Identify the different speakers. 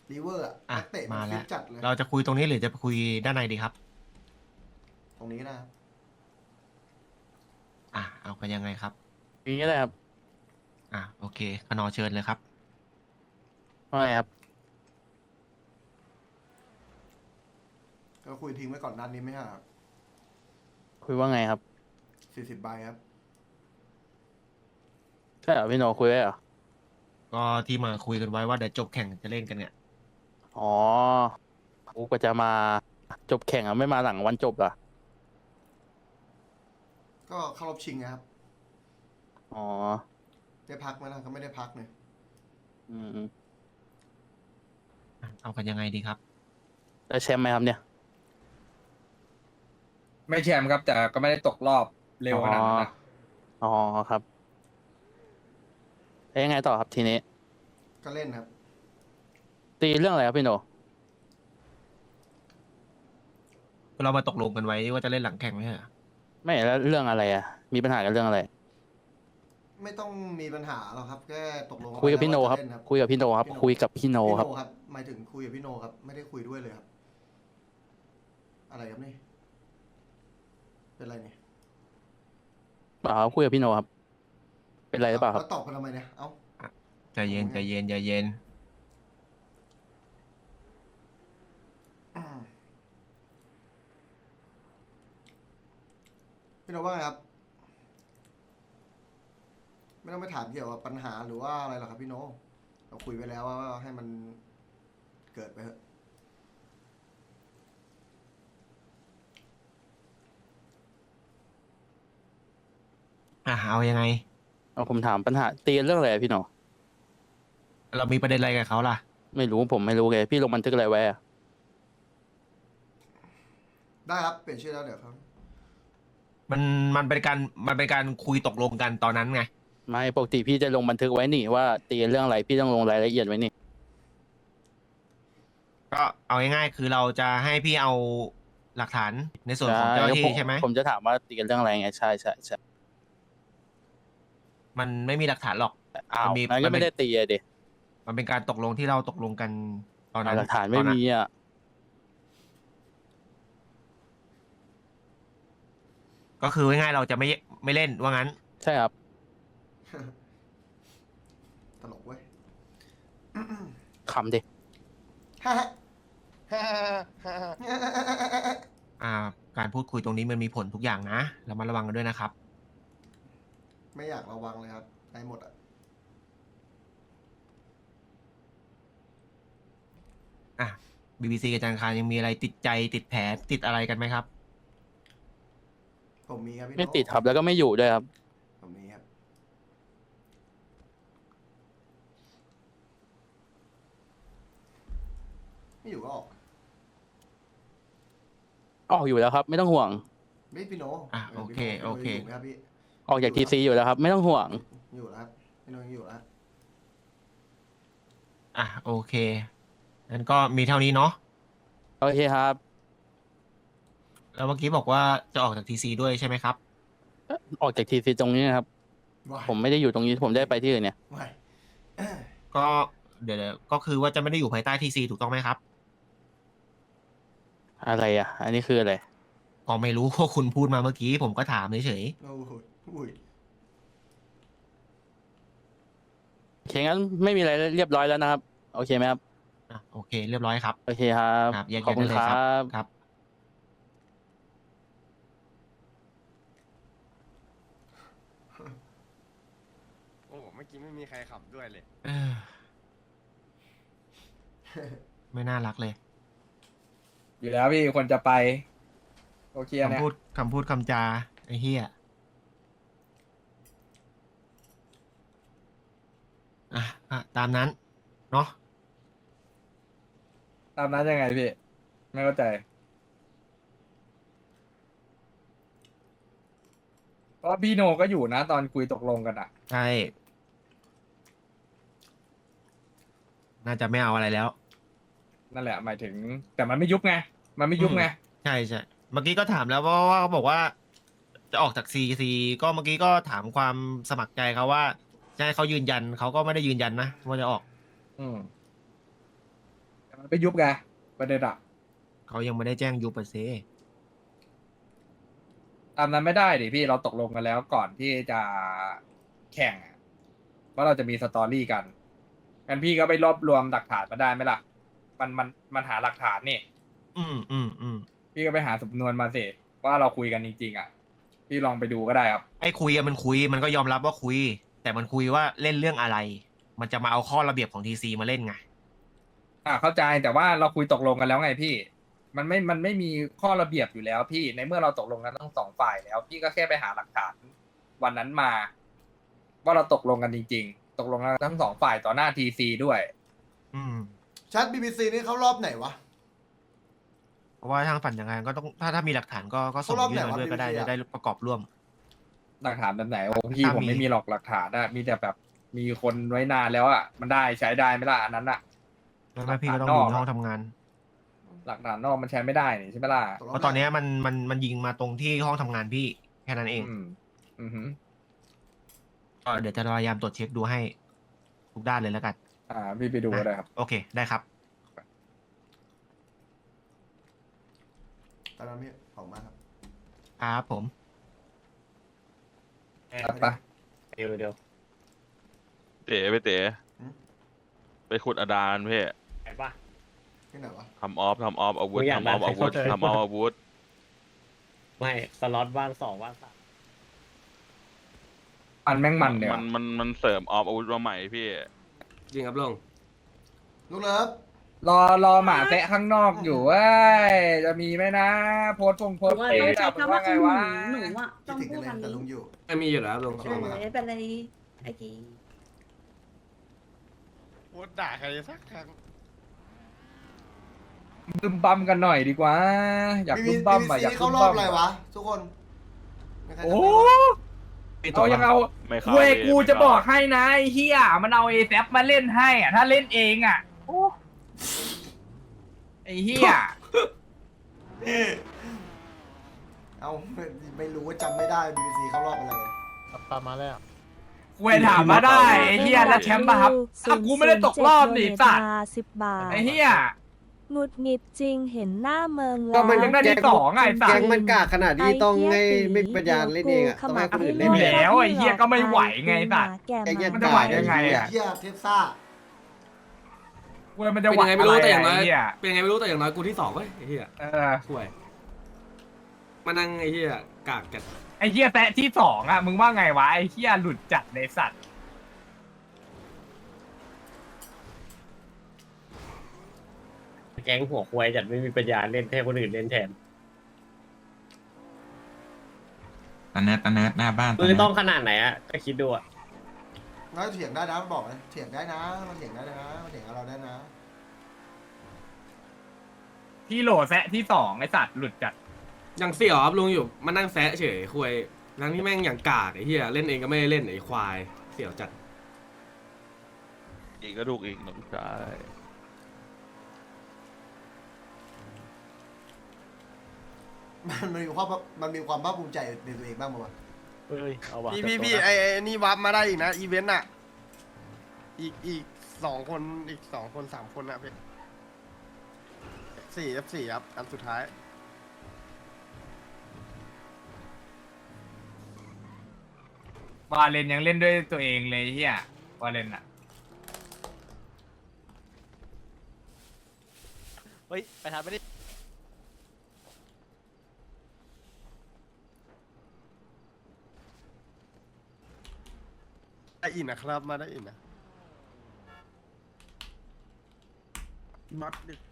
Speaker 1: ลีเวอร์อะ
Speaker 2: อ่ะ
Speaker 1: นักเตะมั
Speaker 2: มา
Speaker 1: นฟิ
Speaker 2: แล้ว
Speaker 1: ตจัดเลย
Speaker 2: เราจะคุยตรงนี้หรือจะไปคุยด้านในดีครับ
Speaker 1: ตรงนี้นะครับ
Speaker 2: อ่ะเอากันยังไงครับ
Speaker 3: อย่างนี้เลยครับ
Speaker 2: อ่ะโอเคขนอเชิญเลยครับ
Speaker 3: ว่าไงครับ
Speaker 1: ก็คุยทิ้งไว้ก่อนนัดนี้ไหมครับ
Speaker 3: คุยว่าไงครับ
Speaker 1: 40 ใบครับ
Speaker 3: ใช่เหรอพี่โนคุยไว้เหรอ
Speaker 2: ก็ที่มาคุยกันไว้ว่าเดี๋ยวจบแข่งจะเล่นกันเนี่ย
Speaker 3: อ๋อกูก็จะมาจบแข่งอ่ะไม่มาหลังวันจบเหรอ
Speaker 1: ก็เข้ารอบชิงนะครับ
Speaker 3: อ๋อ
Speaker 1: ได้พักไหมล่ะก็ไม่ได้พักเนี่ย
Speaker 3: อืม
Speaker 2: อ่ะเอากันยังไงดีครับ
Speaker 3: ได้แชมป์ไหมครับเนี่ย
Speaker 4: ไม่แชมป์ครับแต่ก็ไม่ได้ตกรอบเร็วขนาดนั้นนะ
Speaker 3: อ๋อครับแล้วยังไงต่อครับทีนี้
Speaker 1: ก็เล่นครับ
Speaker 3: ตีเรื่องอะไรครับพี่โน
Speaker 2: เรามาตกลงกันไว้ว่าจะเล่นหลังแข่งไหมเหรอ
Speaker 3: ไม่แล้วเรื่องอะไรอ่ะมีปัญหากันเรื่องอะไร
Speaker 1: ไม่ต้องมีปัญหาหรอกครับแค่ตกลง
Speaker 3: คุยกับพี่โน
Speaker 1: ว่า
Speaker 3: ค
Speaker 1: จะ
Speaker 3: รับ
Speaker 1: เล่นครับ
Speaker 3: คุยกับพี่โนครับคุยกับพี่โน
Speaker 1: พี่
Speaker 3: ครับ
Speaker 1: โนครับหมายถึงคุยกับพี่โนครับ ไม่ได้คุยด้วยเลยครับ อะไรครับนี่ เป็นไรเนี่ย
Speaker 3: เปล่าครับคุยกับพี่โนครับเป็นไรหรือเปล่าครับ
Speaker 1: แล้วตอบกันทำไมเนี่ย เอ้า
Speaker 2: ใจเย็นใจเย็นใจเย็น
Speaker 1: พี่โนว่าไงครับ ไม่ต้องไปถามเกี่ยวกับปัญหาหรือว่าอะไรหรอกครับพี่โน เราคุยไปแล้วว่าให้มันเกิดไปเถอะ
Speaker 2: อ่ะเอายังไง
Speaker 3: เอาผมถามปัญหาตีเรื่องอะไรอะพี่โน
Speaker 2: เรามีประเด็นอะไรกับเขาล่ะ
Speaker 3: ไม่รู้ผมไม่รู้เลยพี่ลงบันทึกอะไรไว้อะ
Speaker 1: ได้ครับ เปลี่ยนชื่อแล้วเดี๋ยวครับ
Speaker 2: มันมันเป็นการคุยตกลงกันตอนนั้นไง
Speaker 3: ไม่ปกติพี่จะลงบันทึกไว้นี่ว่าตีเรื่องอะไรพี่ต้องลงรายละเอียดไว้นี่
Speaker 2: ก็เอาง่ายๆคือเราจะให้พี่เอาหลักฐานในส่วนของเจ้าหน้าที่ใช่ไหม
Speaker 3: ผมจะถามว่าตีกันเรื่องอะไรไงใช่ใช่ใช่
Speaker 2: มันไม่มีหลักฐานหรอก
Speaker 3: อ้าว
Speaker 2: มันมี
Speaker 3: งั้นก็ไม่ได้ตีอะดิ
Speaker 2: มันเป็นการตกลงที่เราตกลงกันตอนนั้น
Speaker 3: หลักฐาน
Speaker 2: ต
Speaker 3: ไม่
Speaker 2: อนนั้น
Speaker 3: มีอ่ะ
Speaker 2: ก็คือง่ายๆเราจะไม่เล่นว่างั้น
Speaker 3: ใช่ครับ
Speaker 1: ตลกเว้ย
Speaker 3: ขำดิ
Speaker 1: ฮ่าฮ่า
Speaker 2: อ่า การพูดคุยตรงนี้มันมีผลทุกอย่างนะเรามาระวังกันด้วยนะครับ
Speaker 1: ไม่อยากระวังเลยครับได้หมดอ่ะ
Speaker 2: อ่ะ BBC กับจันทร์คารยังมีอะไรติดใจติดแผลติดอะไรกันไหมครับ
Speaker 1: ผมมีครับพี่โน
Speaker 3: ไม่ติดครับแล้วก็ไม่อยู่ด้วยครับ
Speaker 1: ผมมีครับ ไม่อยู่ก็ออก
Speaker 3: ออกอยู่แล้วครับ ไม่ต้องห่วง
Speaker 1: ไม่พี่โน
Speaker 2: อ่ะโอเค
Speaker 1: พี่โน
Speaker 2: โอเค
Speaker 1: ยู่ไหมครับพี่
Speaker 3: ออกจากทีซีอยู่แล้วครับ ไม่ต้องห่วง
Speaker 1: อยู่แล้วครับพี่โนยังอยู่แล้ว
Speaker 2: อ่ะโอเคงั้นก็มีเท่านี้เนาะ
Speaker 3: โอเคครับ
Speaker 2: แล้วเมื่อกี้บอกว่าจะออกจากทีซีด้วยใช่ไหมครับ
Speaker 3: ออกจากทีซีตรงนี้นะครับ ผมไม่ได้อยู่ตรงนี้ผมได้ไปที่อื่นเนี่ย
Speaker 1: ไม่
Speaker 2: ก็เดี๋ยวก็คือว่าจะไม่ได้อยู่ภายใต้ทีซีถูกต้องไหมครับ
Speaker 3: อะไรอ่ะ อันนี้คืออะไร
Speaker 2: ก็ไม่รู้ ว่าคุณพูดมาเมื่อกี้ผมก็ถามเฉย
Speaker 1: โอ้โหอุ้ย
Speaker 3: โอเคงั้นไม่มีอะไรเรียบร้อยแล้วนะครับ โอเคไหมครับ
Speaker 2: ๆอ่ะโอเค เรียบร้อยครับ
Speaker 3: โอเคครับ
Speaker 2: ครับแยก
Speaker 3: ขอบ
Speaker 2: ย้าย
Speaker 3: คุ
Speaker 2: ได้
Speaker 3: ณ
Speaker 2: เลย
Speaker 3: ค
Speaker 2: ค
Speaker 3: รั
Speaker 2: รับบ ครับ
Speaker 5: โอ้เมื่อกี้ไม่มีใครขับด้วยเลย
Speaker 2: เออไม่น่ารักเลย
Speaker 4: อยู่แล้วพี่คนจะไปโอเคเนี่ย
Speaker 2: คำพูดคำจาไอ้เหี้ยอ่ะตามนั้นเนาะ
Speaker 4: ตามนั้นยังไงพี่ ไม่เข้าใจเพราะพี่โนก็อยู่นะตอนคุยตกลงกันอ่ะ
Speaker 2: ใช่น่าจะไม่เอาอะไรแล้ว
Speaker 4: นั่นแหละหมายถึง แต่มันไม่ยุบไง มันไม่ยุบไง
Speaker 2: ใช่ใช่เมื่อกี้ก็ถามแล้วว่าเขาบอกว่าจะออกจากซีซีก็เมื่อกี้ก็ถามความสมัครใจเขาว่าจะให้เขายืนยันเขาก็ไม่ได้ยืนยันนะว่าจะออก
Speaker 4: อืมแต่มันไปยุบไงประเด็นอะ
Speaker 2: เขายังไม่ได้แจ้งยูปเซ
Speaker 4: ตามนั้นไม่ได้ดิพี่เราตกลงกันแล้วก่อนที่จะแข่งอะว่าเราจะมีสตอรี่กันงั้นพี่ก็ไปรวบรวมหลักฐานมาได้ไหมล่ะมันหาหลักฐานนี่ พี่ก็ไปหาสำนวนมาสิว่าเราคุยกันจริงๆอ่ะพี่ลองไปดูก็ได้ครับ
Speaker 2: ไอ้คุยอะมันคุยมันก็ยอมรับว่าคุย แต่มันคุยว่าเล่นเรื่องอะไร มันจะมาเอาข้อระเบียบของทีซีมาเล่นไง
Speaker 4: เข้าใจแต่ว่าเราคุยตกลงกันแล้วไงพี่ มันไม่มีข้อระเบียบอยู่แล้วพี่ในเมื่อเราตกลงกันทั้งสองฝ่ายแล้ว พี่ก็แค่ไปหาหลักฐานวันนั้นมา ว่าเราตกลงกันจริงๆ ตกลงกันทั้งสองฝ่ายต่อหน้าทีซีด้วย
Speaker 2: อืม
Speaker 1: ชัด BBC นี่เขารอบไหนวะ
Speaker 2: เพราะว่าทางฝันยังไงก็ต้องถ้ามีหลักฐานก็ส่ง
Speaker 1: เขารอบ
Speaker 2: ยื่น
Speaker 1: ไหน
Speaker 2: มาว
Speaker 1: ะ
Speaker 2: ด้วยก็ได้
Speaker 1: BBC
Speaker 2: จะได้ประกอบร่วม
Speaker 4: หลักฐานแบบไหนโอ้พี่
Speaker 2: ถ้า
Speaker 4: ผม
Speaker 2: มี
Speaker 4: ไม่มีหรอกหลักฐานนะมีแต่แบบมีคนไว้นานแล้วอ่ะมันได้ใช้ได้ไหมล่ะอันนั้นอ่ะ
Speaker 2: แล้วก็พี่ก็ต้องอยู่ในห้องทำงาน
Speaker 4: หลักฐานนอกมันใช้ไม่ได้นี่ใช่ไหมล่ะ
Speaker 2: เพราะตอนเนี้ยมันยิงมาตรงที่ห้องทำงานพี่แค่นั้นเอง
Speaker 4: อือหือ
Speaker 2: ก็เดี๋ยวจะพยายามตรวจเช็คดูให้ทุกด้านเลยแล้วกัน
Speaker 4: พี่ไปดูก็ได้ครับ
Speaker 2: โอเคได้ครับ
Speaker 1: ตอนนั้นพี่ขอบคุณมากครับ
Speaker 2: ครับผม
Speaker 4: ไป
Speaker 6: เดี๋ยว
Speaker 7: เต๋ไปเต๋
Speaker 1: หืม
Speaker 7: ไปขุดอดานเพ่
Speaker 6: เห็นปะ
Speaker 1: ที่ไหนวะ
Speaker 7: ทำออฟอาวุธ
Speaker 6: กูอยาก
Speaker 7: ทำออฟ
Speaker 6: ได้
Speaker 7: อาวุธ
Speaker 6: ใครเข้าใจ
Speaker 7: ทำออฟอาวุธ
Speaker 6: ไม่สล็อตว่าง2ว่าง3
Speaker 4: มันแม่งมันเนี่ย
Speaker 7: มันเสริมออฟอาวุธมาใหม่พี่
Speaker 5: จริงครับลุง
Speaker 1: ลูกเลิฟ
Speaker 4: รอหมาแตะข้างนอกอยู่เว้ยจะมีไหมนะ โพสต์โพสต์
Speaker 8: ว่า
Speaker 4: เฟ
Speaker 8: ต้อง
Speaker 4: ซ
Speaker 8: ใช้
Speaker 4: อะ
Speaker 8: คำว่า
Speaker 4: ไง
Speaker 8: คือห
Speaker 4: วะ
Speaker 8: นูอะ
Speaker 1: คิ
Speaker 8: ต้
Speaker 1: ด
Speaker 8: อง
Speaker 1: ถึง
Speaker 8: พู
Speaker 1: กั
Speaker 8: ด
Speaker 1: นเลย
Speaker 8: คำ
Speaker 1: แต่
Speaker 8: นี้
Speaker 1: ลุงอยู่
Speaker 5: ไม่มีอยู่แล้วลุง
Speaker 1: เออ
Speaker 8: ไม่เป็นไรไอ้กี้
Speaker 5: พูดด่าใครสักครั้ง
Speaker 4: บึมบัมกันหน่อยดีกว่า อยากบึมบัมอะอยาก
Speaker 1: นี่
Speaker 4: บึ
Speaker 1: เขา
Speaker 4: ม
Speaker 1: รอ
Speaker 4: บั
Speaker 1: บ
Speaker 4: ม
Speaker 1: อะไรวะ ทุกคนไม่ใครจำ
Speaker 4: โอ้
Speaker 1: ได้ปะ
Speaker 4: เอายังเอา
Speaker 7: ไม่เข้า
Speaker 4: เว้ย
Speaker 7: พี่
Speaker 4: กู
Speaker 7: ไม่
Speaker 4: จะ
Speaker 7: เข้า
Speaker 4: บอกให้นะไอ้เฮียมันเอาเอแซมาเล่นให้อ่ะถ้าเล่นเองอ่ะโอ้ไอ้เฮีย
Speaker 1: เอาไม่รู้ว่าจำไม่ได้ BBC เขารอบอะไร
Speaker 4: กูไปถามมาได้ไอ้เฮียแล้วแชมป์ป่ะครับถ้ากูไม่ได้ตกรอบนี่สัตว์
Speaker 9: 10 บาท
Speaker 4: ไอ้เฮีย
Speaker 9: หงุดหงิดจริงเห็นหน้าเมือง
Speaker 4: ก็
Speaker 9: แล้ว
Speaker 4: มันยังได้ที่สองไงสัต
Speaker 10: แก๊ง
Speaker 4: ว์
Speaker 10: มันกากขนาดที่ต้องให้ไม่ปัญญาเล่นเองอ่ะต้องให้คนอื่นเล่น
Speaker 4: อยู่
Speaker 10: แทน
Speaker 4: แล้วไอ้เหี้ยก็ไม่ไหวไงสัตว์
Speaker 9: แก
Speaker 10: ไอ้เหี้ย
Speaker 4: มันจะไหวได้ไงอะ
Speaker 1: เฮียเทปซ่า
Speaker 4: เว้ยมันจะ
Speaker 5: เป็น
Speaker 4: ไหว
Speaker 5: ยังไงไม่รู้แต่อย่างน้อย
Speaker 4: ะไเหี้ย
Speaker 5: เป็นยังไงไม่รู้แต่อย่างน้อยกูที่2เว้ยไอ้เหี้ย
Speaker 4: ช่วย
Speaker 5: มานั่งไอ้เหี้ยกากจัด
Speaker 4: ไอ้เหี้ยแตะที่สองอ่ะมึงว่าไงวะไอ้เหี้ยหลุดจัดในสัตว์
Speaker 6: แก๊งหัวควายจัดไม่มีปัญญาเล่นให้คนอื่นเล่นแทน
Speaker 11: ตาเนิร์ดหน้าบ้าน
Speaker 6: มือต้องขนาดไหนอะก็คิดดูอะ
Speaker 1: น้อยเถียงได้นะบอกเลยเถียงได้นะมันเถียงได้นะมันเถียงกับเราได้นะ
Speaker 4: ที่โหลแซะที่สองไอ้สัตว์หลุดจัด
Speaker 5: ยังเสี่ยวครับลุงอยู่มานั่งแซะเฉยคุยทั้งที่แม่งอย่างกากไอ้เหี้ยเล่นเองก็ไม่ได้เล่นไอ้ควายเสี่ยวจัด
Speaker 7: อีกก็ถูกอีกน้องชาย
Speaker 1: มันมีความภาคภูมิใจในตัวเองบ้างมั้ย
Speaker 6: เฮ้ยเอาวะ
Speaker 5: พี่ไอ้นี่วับมาได้อีกนะอีเวนต์อะอีก2 คนอีก2 คน3 คนนะพี่F4 ครับอันสุดท้าย
Speaker 4: วาเลนยังเล่นด้วยตัวเองเลยเฮียวาเลนอ่ะ
Speaker 3: เฮ้ยไปทำไม่ได้
Speaker 5: ได้อินนะครับมาได้อินนะ
Speaker 10: มัดดึก